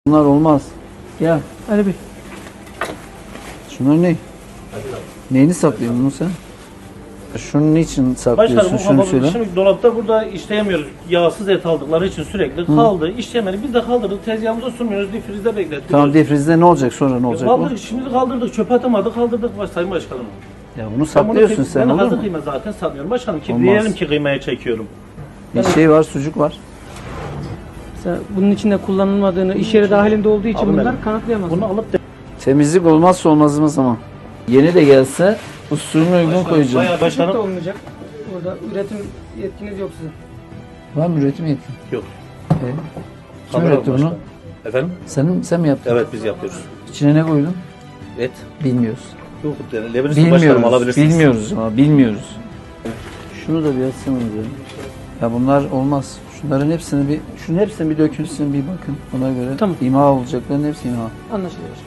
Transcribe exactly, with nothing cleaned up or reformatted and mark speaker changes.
Speaker 1: Bunlar olmaz. Gel.
Speaker 2: Ali Bey.
Speaker 1: Şunlar ne? Neyini saklıyorsun bunu sen? Şunun niçin saklıyorsun?
Speaker 3: Başkanım bu
Speaker 1: Şunu
Speaker 3: kapalı.
Speaker 1: söyle.
Speaker 3: Şimdi dolapta burada işleyemiyoruz. Yağsız et aldıkları için sürekli kaldı. İşleyemedi. Biz de kaldırdık. Tezgahımıza sunmuyoruz. Difrizde beklettik.
Speaker 1: Tamam defrizde ne olacak sonra ne olacak bu?
Speaker 3: Kaldırdık. Şimdi kaldırdık. Çöpe atamadık. Kaldırdık baş, Sayın Başkanım.
Speaker 1: Ya bunu
Speaker 3: Ben bunu
Speaker 1: saklıyorsun
Speaker 3: kıy-
Speaker 1: sen
Speaker 3: Ben
Speaker 1: olur
Speaker 3: hazır
Speaker 1: mu?
Speaker 3: kıyma zaten satmıyorum. Başkanım ki
Speaker 1: Olmaz.
Speaker 3: diyelim ki kıymaya çekiyorum.
Speaker 1: Bir şey var, sucuk var.
Speaker 2: Mesela bunun içinde kullanılmadığını, iş yeri dahilinde olduğu için
Speaker 3: Abi
Speaker 2: bunlar
Speaker 3: ben-
Speaker 2: kanıtlayamaz.
Speaker 3: Bunu alıp da
Speaker 1: Temizlik olmazsa olmazımız ama. Yeni de gelse usulüne uygun koyacağım.
Speaker 3: bayağı
Speaker 2: Çocuk da
Speaker 3: başkanım.
Speaker 2: olmayacak. Orada üretim yetkiniz yok sizin.
Speaker 1: Var mı üretim yetkin?
Speaker 3: Yok.
Speaker 1: Ee, kim
Speaker 3: Kamera
Speaker 1: üretti bunu?
Speaker 3: başkanım. Efendim?
Speaker 1: Sen, sen mi yaptın?
Speaker 3: Evet biz yapıyoruz.
Speaker 1: İçine ne koydun?
Speaker 3: Et.
Speaker 1: Bilmiyoruz.
Speaker 3: Yok. Lebinistan başkanım
Speaker 1: Bilmiyoruz.
Speaker 3: alabilirsiniz.
Speaker 1: Bilmiyoruz ama bilmiyoruz. Şunu da bir açsanız ya. Ya bunlar olmaz. Şunların hepsini bir, şunun hepsini bir dökülsün bir bakın. Ona göre
Speaker 2: Tamam.
Speaker 1: imha olacakların hepsi imha.
Speaker 2: Anlaşılıyor.